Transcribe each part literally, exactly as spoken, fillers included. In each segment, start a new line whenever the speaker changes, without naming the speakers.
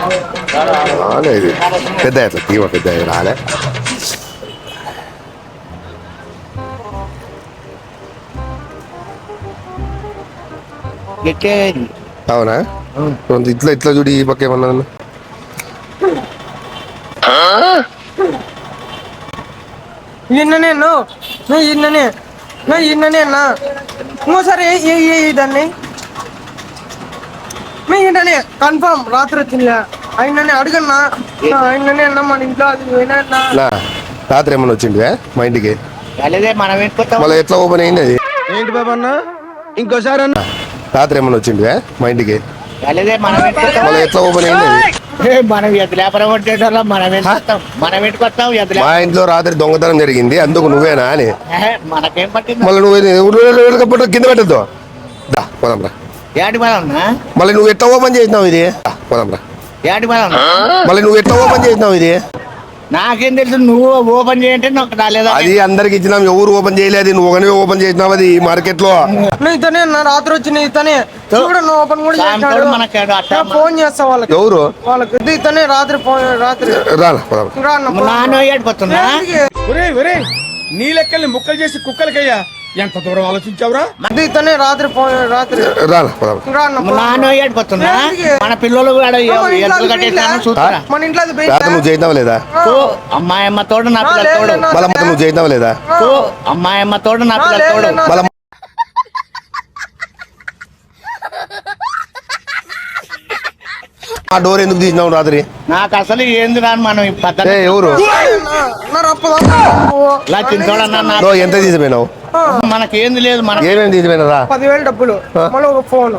రాలే ఇది పెద్ద అట్లా తీవ పెద్ద రాలే. అవునా ఇట్లా ఇట్లా చూడు ఈ పక్క ఏమన్నా
నిన్ననే నిన్ననే నిన్ననే అన్నా ఇంకోసారి దాన్ని ఏంటనే కన్ఫర్మ్ రాత్రి వచ్చిందా ఆయననే అడుగన్నా ఆయననే అన్నా మన ఇంట్లో అది
రాత్రి ఏమన్నా వచ్చింది మా ఇంటికి మళ్ళీ ఎట్లా ఓపెన్ అయింది అది
ఏంటి బాబా అన్న ఇంకోసారి అన్న
రాత్రి ఏమన్నా వచ్చింది మా ఇంటికి మళ్ళీ ఎట్లా ఓపెన్ అయింది అది మా ఇంట్లో రాత్రి దొంగతనం జరిగింది అందుకు నువ్వేనా అని మళ్ళీ నువ్వు కింద పెట్టద్దు పోదాం రా మళ్ళీ నువ్వు ఎట్లా ఓపెన్ చేసినావు ఇది పోదాం రా మళ్ళీ నువ్వు ఎట్లా ఓపెన్ చేసినావు ఇది
నాకేం తెలుసు నువ్వు ఓపెన్ చేయంటే నాకు రాలేదా
అది అందరికి ఇచ్చినాం ఎవరు ఓపెన్ చేయలేదు నువ్వు ఒకనే ఓపెన్ చేసినావు అది మార్కెట్ లో
ఇతనే రాత్రి వచ్చిన ఇతనే ఓపెన్ కూడా ఫోన్ చేస్తా వాళ్ళకి ఎవరు వాళ్ళకి ఇతనే రాత్రి రాత్రి
నీ లెక్కల్ని ముక్కలు చేసి కుక్కలకయ్యా ఎంత దూరం ఆలోచించావురా
ఇతనే రాత్రి రాత్రి
మన పిల్లలు
మన ఇంట్లో
నువ్వు చేద్దాం లేదా
అమ్మాయమ్మ తోడు నా పిల్లల తోడు
మళ్ళీ నువ్వు చేద్దాం లేదా
అమ్మాయమ్మ తోడు నా పిల్లల తోడు
మళ్ళీ ఆ డోర్ ఎందుకు తీసినావు రాత్రి
నాకు అసలు ఏంది రాను మనం
ఎవరు ఎంత తీసిపోయినావు
మనకేంది లేదు మనం
ఏమేమి తీసిపోయినారా
పదివేలు డబ్బులు ఒక ఫోన్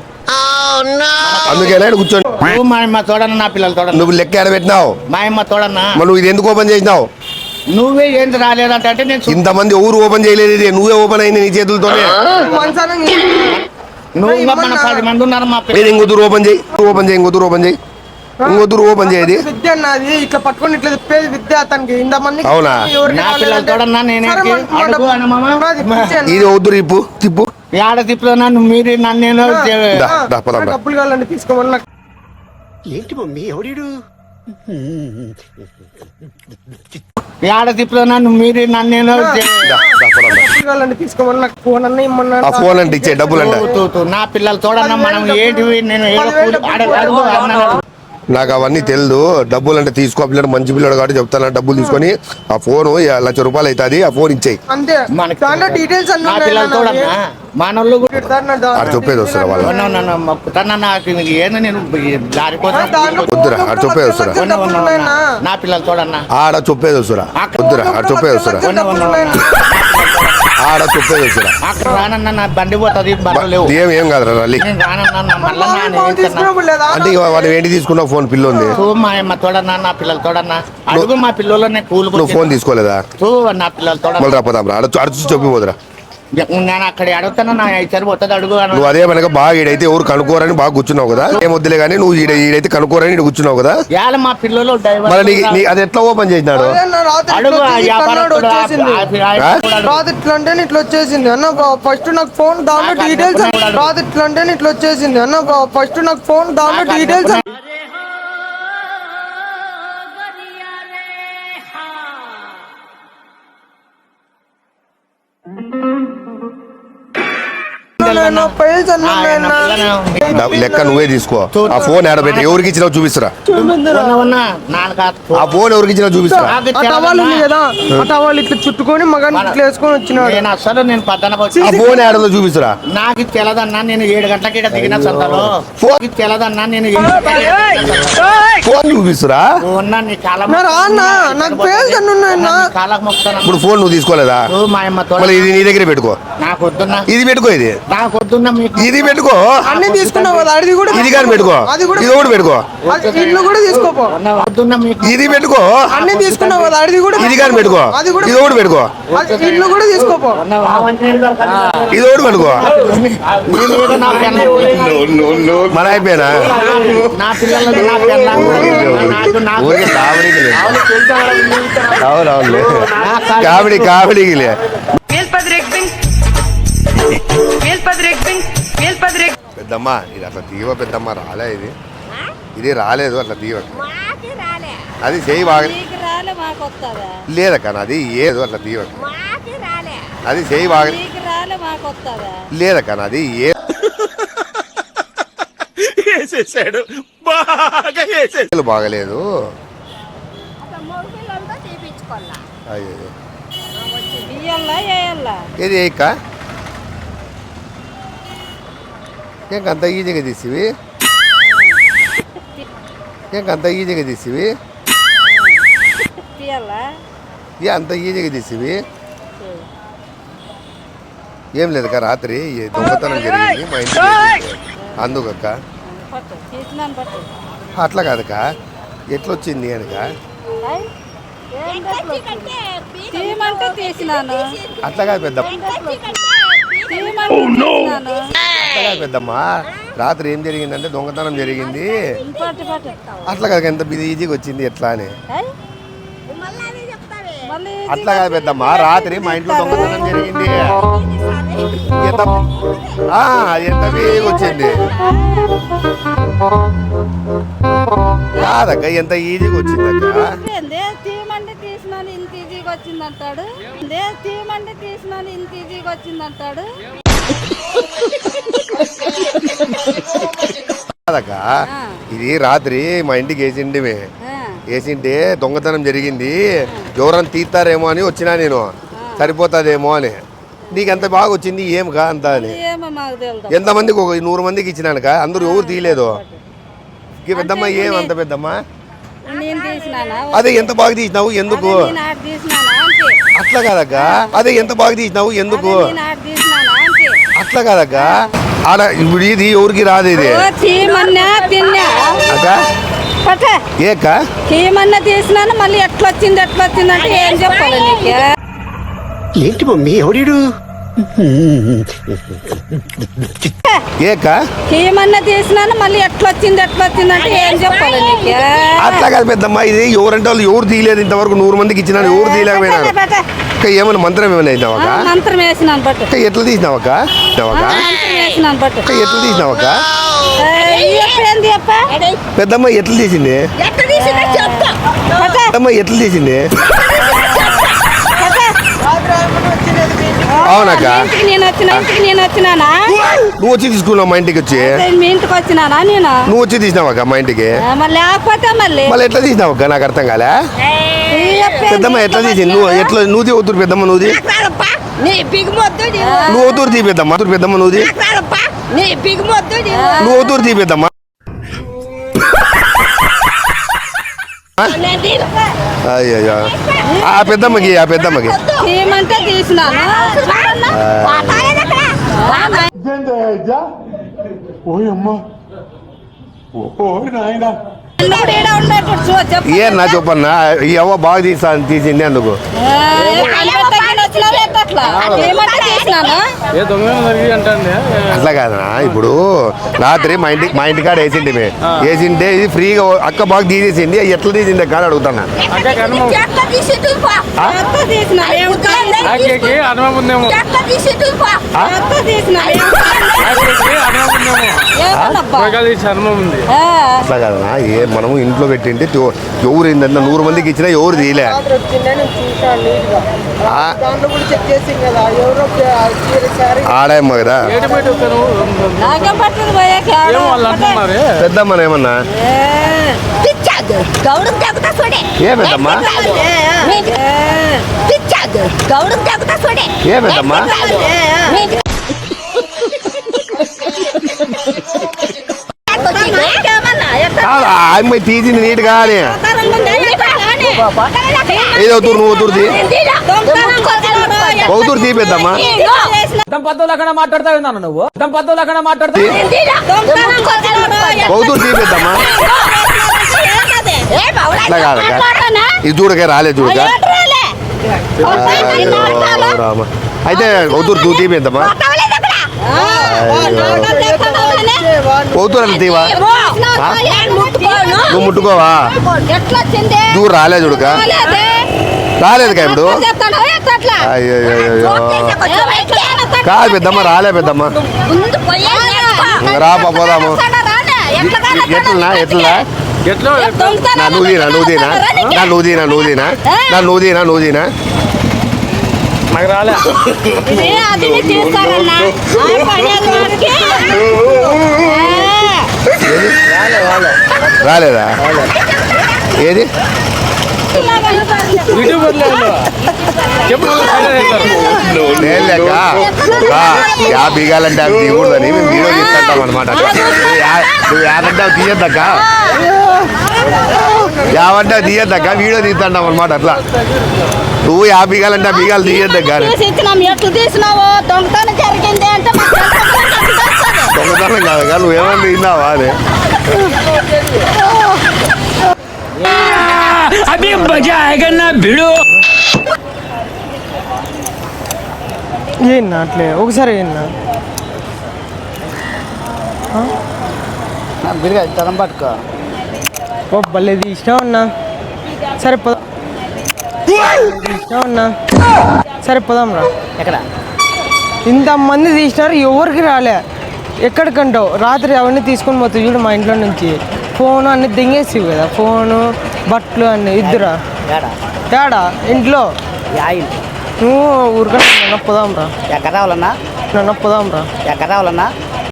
అందుకే కూర్చోండి
మా అమ్మ తోడన్న నా పిల్లలు తోడ
నువ్వు లెక్క ఎడ పెట్టినావు
మా అమ్మ తోడన్నా
నువ్వు ఇది ఎందుకు ఓపెన్ చేసినావు
నువ్వే ఏంది రాలేదంటే అంటే నేను
ఇంతమంది ఎవరు ఓపెన్ చేయలేదు ఇది నువ్వే ఓపెన్ అయింది నీ చేతులతోనే
నువ్వు మన పది మంది ఉన్నారు మా
పిల్లలు ఇంకొద్దురు ఓపెన్ చేయి ఓపెన్ చేయి ఇంకొద్దురు ఓపెన్ చేయి ఇంకొద్దురు ఓపెన్ చేయది
విద్య అన్నది ఇట్లా పట్టుకొని ఇట్లా తిప్పేది విద్య అతనికి ఇంతమంది
అవునా
నా పిల్లలు తోడన్నా నేనే
ఇది వద్దురు ఇప్పు తిప్పు
ఏడ తిప్పులో మీరు నన్ను నేను
డబ్బులు కావాలండి తీసుకోమన్నా
ఏంటి మమ్మీ ఎవడీడు
ఏడ తిప్పులో నన్ను మీరు నన్ను నేను
కావాలండి తీసుకోమన్నా ఫోన్ అన్న ఇమ్మన్నా
ఫోన్ అంటే ఇచ్చే డబ్బులు అంటే
నా పిల్లలు తోడన్నా మనం ఏంటివి నేను
నాకు అవన్నీ తెలియదు డబ్బులు అంటే తీసుకో పిల్లడు మంచి పిల్లడు కాబట్టి చెప్తాను డబ్బులు తీసుకొని ఆ ఫోన్ లక్ష రూపాయలు అవుతుంది ఆ ఫోన్ ఇచ్చేయి
డీటెయిల్స్
మనోళ్ళు
ఆడ చెప్పేది వస్తారా వాళ్ళు
నాకు ఏంది నేను
వద్దురా ఆడ చెప్పేది వస్తారా
నా పిల్లలు తోడన్నా
ఆడ చెప్పేది వస్తారా వద్దురా ఆడ చెప్పేది వస్తారా ఆడ చెప్పేది వస్తారా
అక్కడ రానన్నా నా బండి పోతుంది
ఏం ఏం కాదురా రల్లి అంటే వాడు ఏంటి తీసుకున్నావు ఫోన్ పిల్ల ఉంది
మా అమ్మ తోడన్నా నా పిల్లలు తోడన్నా అడుగు మా పిల్లలు కూలి
నువ్వు ఫోన్ తీసుకోలేదా
నా పిల్లలు తోడ
మళ్ళీ రాపోదాం రా అడ అడుచు చెప్పిపోదురా
నేను అక్కడ అడుగుతాను నా సరిపోతుంది అడుగు
నువ్వు అదే మనక బాగా ఈడైతే ఎవరు కనుక్కోరని బాగా కూర్చున్నావు కదా ఏం వద్దులే కానీ నువ్వు ఈడ ఈడైతే కనుక్కోరని ఈడ కూర్చున్నావు కదా
మా పిల్లలు
మరి అది ఎట్లా ఓపెన్ చేసినాడు
రాత్రి ఇట్లా వచ్చేసింది అన్న ఫస్ట్ నాకు ఫోన్ దాంట్లో డీటెయిల్స్ రాత్రి ఇట్లా వచ్చేసింది అన్న ఫస్ట్ నాకు ఫోన్ దాంట్లో డీటెయిల్స్
లెక్క నువ్వే తీసుకో ఆ ఫోన్ ఆడబెట్టి ఎవరికి ఇచ్చినావు చూపిస్తురా ఆ ఫోన్ ఎవరికి ఇచ్చినావు చూపిస్తురా
టవాల్ ఇట్లా చుట్టుకొని మగాన్ని ఇట్లా వేసుకొని వచ్చినాడు
అసలు నేను పద్దన
ఆ ఫోన్ ఆడలో చూపిస్తురా
నాకు తెలదన్నా నేను ఏడు గంటలకి ఇక్కడ దిగిన సంతలో ఫోన్ తెలదన్నా నేను
ఫోన్ చూపిస్తురా
నాకు
ఇప్పుడు ఫోన్ నువ్వు తీసుకోలేదా
మా అమ్మ
మళ్ళీ ఇది నీ దగ్గర పెట్టుకో
నాకు వద్దున్నా
ఇది పెట్టుకో ఇది
నాకు వద్దున్నా
ఇది పెట్టుకో
అన్ని తీసుకున్నావు కదా అది కూడా
ఇది కానీ పెట్టుకో ఇది కూడా పెట్టుకో
ఇల్లు కూడా తీసుకోపో
వద్దున్నా
ఇది పెట్టుకో
అన్ని తీసుకున్నావు కదా అది కూడా
ఇది కానీ పెట్టుకో ఇది కూడా పెట్టుకో
ఇల్లు కూడా తీసుకోపో
ఇది కూడా పెట్టుకో మన అయిపోయినా
నా పిల్లలు
ఊరికి కామెడీకి అవునవును కామెడీ కామెడీకి పెద్దమ్మ ఇది అట్లా తీవ పెద్దమ్మ రాలే ఇది ఇది రాలేదు అట్లా తీయక
మాకి రాలే
అది చేయి బాగా
నీకు రాలే మాకు వస్తుందా
లేదక్క అది ఏదో అట్లా తీయక
మాకి రాలే
అది చేయి బాగా
నీకు రాలే మాకు వస్తుందా
లేదక్క అది ఏ
వేసేసాడు బాగా వేసేసాడు
బాగలేదు
అక్కడ మూడు పిల్లలతో తీపించుకోవాలా
అయ్యో
వచ్చి బియ్యల్లా వేయాలా
ఏది ఏక్క ఇంకంత ఈజీగా తీసివి ఇంకంత ఈజీగా తీసివి
తీయాలా
ఏ అంత ఈజీగా తీసివి ఏం లేదక్క రాత్రి ఈ దొంగతనం జరిగింది మా ఇంటికి అందుకక్క
పట్టు తీసినాను పట్టు
అట్లా కాదక్క ఎట్లొచ్చింది అనక
తీయమంటే తీసినాను
అట్లా కాదు పెద్ద
తీయమంటే తీసినాను
అట్లా కాదు పెద్దమ్మ రాత్రి ఏం జరిగిందంటే దొంగతనం జరిగింది
పట్టు పట్టు
అట్లా కాదు ఎంత బిజీ ఈజీగా వచ్చింది ఎట్లా అని
మళ్ళీ
అట్లా కాదు పెద్దమ్మ రాత్రి మా ఇంట్లో దొంగతనం జరిగింది ఎంత ఆ, ఎంత బిజీగా వచ్చింది కాదక్క ఎంత ఈజీగా వచ్చింది అక్క
ఏందే తీయమంటే తీసినాను ఇంత ఈజీగా వచ్చిందంటాడు ఏందే తీయమంటే తీసినాను ఇంత ఈజీగా వచ్చిందంటాడు
కాదక్క ఇది రాత్రి మా ఇంటికి వేసిండిమే
ఆ,
వేసింటే దొంగతనం జరిగింది ఎవరైనా తీస్తారేమో అని వచ్చినా నేను సరిపోతుందేమో అని నీకు ఎంత బాగా వచ్చింది ఏం కా అంత అని
ఏమో మాకు తెలుదు
ఎంతమందికి ఒక నూరు మందికి ఇచ్చినానుక అందరూ ఎవరు తీయలేదు ఈ పెద్దమ్మ ఏం అంత పెద్దమ్మ
నేను తీసినానా
అదే ఎంత బాగా తీసినావు ఎందుకు
నేను ఆడ తీసినానా అంతే
అట్లా కాదక్క అదే ఎంత బాగా తీసినావు ఎందుకు
నేను ఆడ తీసినానా అంతే
అట్లా కాదక్క ఆడ ఇప్పుడు ఇది ఎవరికి రాదు ఇది
ఓ తీయమన్నా తిన్నా
అక్క
పట్ట
ఏక్క
తీయమన్నా తీసినాను మళ్ళీ ఎట్లా వచ్చింది ఎట్లా వచ్చింది అంటే ఏం చెప్పాలి నీకు
ఏంటి మమ్మీ ఎవడీడు
ఏక్క
తీయమన్నా తీసినాను మళ్ళీ ఎట్లా వచ్చింది ఎట్లా వచ్చింది అంటే ఏం చెప్పాలి నీకు
అట్లా కాదు పెద్దమ్మ ఇది ఎవరంటే వాళ్ళు ఎవరు తీయలేదు ఇంతవరకు నూరు మందికి ఇచ్చినాను ఎవరు తీయలేకపోయినారు
పట్ట, పట్ట.
అక్క ఏమైనా మంత్రం ఏమైనా అయినావక్క
ఆ, మంత్రం వేసినాను పట్టు
అక్క ఎట్లా తీసినావక్క తీసినావక్క?
ఆ, మంత్రం వేసినాను పట్టు
అక్క ఎట్లా తీసినావక్క
ఏంది అప్ప
పెద్దమ్మ ఎట్లా తీసింది
పట్ట,
పెద్దమ్మ ఎట్లా తీసింది
పట్ట.
రాత్రి ఆయమ్మని వచ్చినది మీ ఇంటికి.
అవునక్క
ఇంటికి నేను వచ్చిన ఇంటికి నేను వచ్చినానా
నువ్వు వచ్చి తీసుకున్నావు మా ఇంటికి వచ్చి
మీ ఇంటికి వచ్చినానా నేను
నువ్వు వచ్చి తీసినావక్క మా ఇంటికి
ఆ, మళ్ళీ లేకపోతే మళ్ళీ
మళ్ళీ ఎట్లా తీసినావక్క నాకు అర్థం కాలే
ఈ అప్ప ఏంది
పెద్దమ్మ ఎట్లా తీసింది నువ్వు ఎట్లా నువ్వు వద్దురు పెద్దమ్మ నువ్వు
నీ బిగుమొద్దు
నువ్వు వద్దురు తీ పెద్దమ్మ వద్దురు పెద్దమ్మ నువ్వు
నీ బిగుమొద్దు
నువ్వు వద్దురు తీ పెద్దమ్మ అయ్యో ఆ పెద్దమ్మకి ఆ పెద్దమ్మకి
ఏమంటే తీసినాను ఎన్నోడు ఈడ ఉండేటట్టు చూ చెప్పు.
ఏ నా చెప్పన్నా ఈ అవ్వ బాగా తీసా తీసింది అందుకు
ఆ, కనిపెట్టగానే వచ్చినారు ఎట్టట్లా? ఏమంటే తీసినాను
అట్లా కాదనా ఇప్పుడు రాత్రి మా ఇంటికి మా ఇంటికాడ వేసింది మే వేసింటే ఇది ఫ్రీగా అక్క బాగా తీసేసింది ఎట్లా తీసింది అక్క అని అడుగుతానా
ఎట్లా తీసినాను? ఏం కాదు. ఎట్లా తీసినాను? ఏం కాదు. ఏమన్నబ్బా? ఆ,
అట్లా కాదనా ఏ మనము ఇంట్లో పెట్టింటే తో- ఎవరు ఏంటంటే నూరు మందికి ఇచ్చినా ఎవరు తీయలే
రాత్రి వచ్చిందే నేను చూసాను నీట్గా.
ఆ.
దాంట్లో కూడా చెక్ చేసింది కదా ఎవరో చీర శారీ
ఆడాయమ్మ కదా
నాకేం పట్టదు పోయాక ఆడ.
పెద్దమ్మని ఏమన్నా
ఏ, పిచ్చాగు. గౌడుకు తగ్గుతా చూడే.
ఏ పెద్దమ్మ
ఏ, పిచ్చాగు. గౌడుకు తగ్గుతా చూడే.
ఏ పెద్దమ్మ
నాకేమన్నా? ఎట్లా
కాదు, ఆ అమ్మాయి తీసింది నీట్గా అని ఏదో అవుతురు నువ్వు అవుతురు తీ అవుతురు తీ పెద్దమ్మ
దంపతులకన్నా మాట్లాడతావు నువ్వు దంపతులకన్నా మాట్లాడతావు
అవుతురు తీ పెద్దమ్మ అట్లా కాదక్క ఇది చూడక రాలేదు చూడక అయ్యో, రామ అయితే అవుతురు తూ తీ పెద్దమ్మ అవుతురు అని తీవా నువ్వు ముట్టుకోవా దూరం రాలేదు చూడక రాలేదు కా ఇప్పుడు అయ్యో కాదు పెద్దమ్మ రాలే పెద్దమ్మ రా పోదాము ఎట్లా ఎట్లా నా నువ్వుదీనా నువ్వుదీనా నా నువ్వుదీనా నువ్వుదీనా నా నువ్వుదీనా నువ్వుదీనా
నాకు రాలే
రాలేదా ఏది లేక యా బీగాలంటే అవి తీయకూడదని మేము వీడియో తీస్తుంటాం అనమాట నువ్వు యాదంటే అవి తీయద్దక్క యావంటే తీయద్దక్క వీడియో తీస్తుంటాం అనమాట అట్లా నువ్వు యా బీగాలంటే ఆ బీగాలు తీయద్దక్క
దొంగతనం జరిగింది అంటే
దొంగతనం కాదు నువ్వు ఏమన్నా తిన్నావా అని
అభి మజా ఆయేగా నా భిడు
ఏనా అట్లే ఒకసారి ఏనా
బిరిగా తరం పట్టుకో
ఓ భలేది ఇష్టం అన్నా సరే పోదాం ఇష్టం అన్నా సరే పోదాం రా
ఎక్కడ
ఇంతమంది తీసినారు ఎవరికి రాలే ఎక్కడికంటావు రాత్రి అవన్నీ తీసుకొని పోతావు చూడు మా ఇంట్లో నుంచి ఫోను అన్ని దింగేసి కదా ఫోను బట్టలు అన్ని ఇద్దరా
ఏడా
తేడా ఇంట్లో
యాయిల్
నువ్వు ఊరికన్నా నన్ను పోదాం రా
ఎక్కడ రావాలన్నా
నన్ను పోదాం రా
ఎక్కడ రావాలన్నా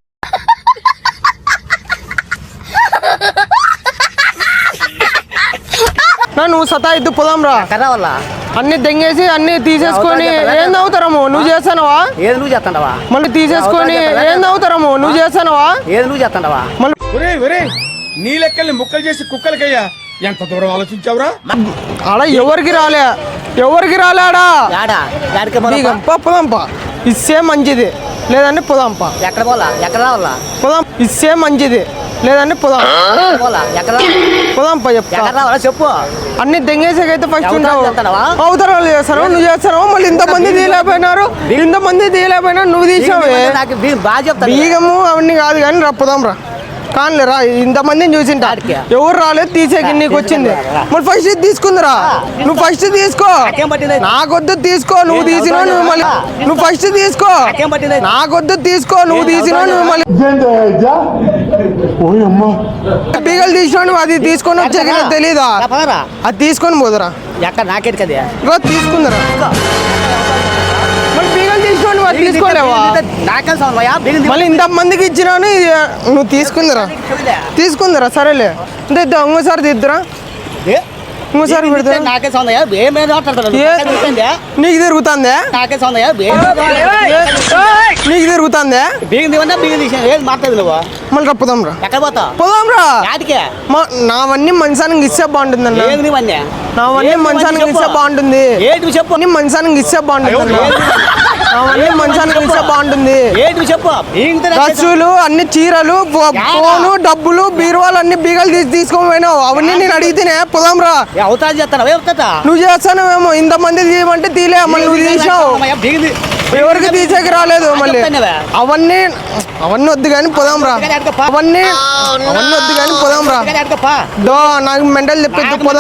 నా నువ్వు సతా ఇద్దు పోదాం రా
ఎక్కడ రావాలా
అన్ని దెంగేసి అన్ని తీసేసుకొని ఏం అవుతారము నువ్వు చేస్తానవా
ఏది నువ్వు చేస్తాండవా
మళ్ళీ తీసేసుకొని ఏం అవుతారము నువ్వు చేస్తానవా
ఏది నువ్వు చేస్తాండవా
మళ్ళీ
ఒరే ఒరే నీ లెక్కల్ని ముక్కలు చేసి కుక్కలకయ్యా ఎంత దూరం ఆలోచించావురా
ఆడ ఎవరికి రాలే ఎవరికి రాలేడా
యాడా యాడికి
నీకంప పోదాంపా ఇస్తే మంచిది లేదంటే పోదాంపా
ఎక్కడ పోలా ఎక్కడ రావాలా
పోదాం ఇస్తే మంచిది లేదంటే పోదాం
పోలా ఎక్కడ
పోదాంపా చెప్తా
ఎక్కడ రావాలా చెప్పు
అన్ని దెంగేసాకైతే ఫస్ట్
ఎవరు
ఉంటావు
చేస్తానవా?
అవతల వాళ్ళు చేస్తారు నువ్వు చేస్తావు మళ్ళీ ఇంతమంది తీయలేకపోయినారు ఇంతమంది తీయలేకపోయినా నువ్వు తీసావే
నాకు బీ- బాగా చెప్తాను
బీగము అవన్నీ కాదు కానీ రా పోదాం రా కానీ రా ఇంతమందిని చూసింటా
ఆడికి.
ఎవరు రాలేదు తీసేకి నీకు వచ్చింది మరి ఫస్ట్ ఇది తీసుకుందిరా నువ్వు ఫస్ట్ తీసుకో
నాకేం పట్టింది?
నాకొద్దు తీసుకో నువ్వు
నేను
తీసినా
అవసరం
నువ్వు మళ్ళీ
లేదా?
నువ్వు ఫస్ట్ తీసుకో
నాకేం పట్టింది?
నాకొద్దు తీసుకో నువ్వు
నేను
తీసినా
అవసరం
నువ్వు మళ్ళీ బీగలు తీసినా నువ్వు అది తీసుకొని వచ్చాక నాకు తెలీదా
రా, పదరా.
అది తీసుకొని పోదురా
ఎక్కడ నాకేది కదా
రా తీసుకుందిరా మరి బీగలు తీసినా నువ్వు అది తీసుకోలేవా
నాకేం సౌండ్ బిగింది
మళ్ళీ ఇంతమందికి ఇచ్చినాను ఇది నువ్వు తీసుకుందిరా తీసుకుందిరా సరేలే అంటే ఇద్దా ఇంకోసారి తీద్దురా ఇంకోసారి పెడతా
నాకే సౌండ్ ఏమేమి మాట్లాడతాడు
ఏ?
తిరుగుతుందే
నీకు తిరుగుతుందే
నాకే సౌండ్
నీకు తిరుగుతుందే
బిగింది ఉందా బిగింది తీసిన ఏది మాట్లాడదు నువ్వు
మళ్ళీ రా పోదాం రా
ఎక్కడ పోతావు
పోదాం రా
యాడికే
మా నావన్నీ మంచానికి ఇస్తే బాగుంటుంది అన్న
ఏది నీవన్నీ
నావన్నీ
ఏది
మంచానికి
చెప్పు.
ఇస్తే బాగుంటుంది
ఏంటి నువ్వు చెప్పు
అన్ని మంచానికి ఇస్తే బాగుంటుంది అన్న. నావన్నీ మంచానికి ఇస్తే బాగుంటుంది
ఏంటి నువ్వు చెప్పు బిగింది
డ్రస్సులు అన్ని చీరలు ఫో- ఫోను డబ్బులు బీరువాలు అన్ని బీగలు తీసి తీసుకొని పోయినావు అవన్నీ నేను అడిగితేనే పోదాం రా
అవతారం చేస్తాను అవుతా
నువ్వు చేస్తానేమో ఇంతమంది తీయమంటే తీలే మళ్ళీ నువ్వు తీసావు
బిగింది
ఎవరికి తీసేకి రాలేదు మళ్ళీ
చెప్తానువే.
అవన్నీ అవన్నీ వద్దు కానీ పోదాం రా అవన్నీ అవన్నీ వద్దు కానీ పోదాం రా
అడగప్పా
దో నాకు మెంటల్ చెప్పొద్దు పోదాం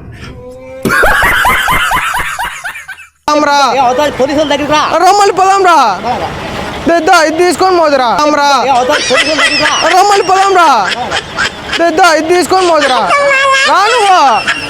రా
అవతారం పోలీసుల దగ్గరికి రా
రా మళ్ళీ పోదాం రా దా ఇది తీసుకొని పోదురా రా
అవతారం పోలీసుల దగ్గరికి రా
రా మళ్ళీ పోదాం రా దా ఇది తీసుకొని పోదురా రా నువ్వు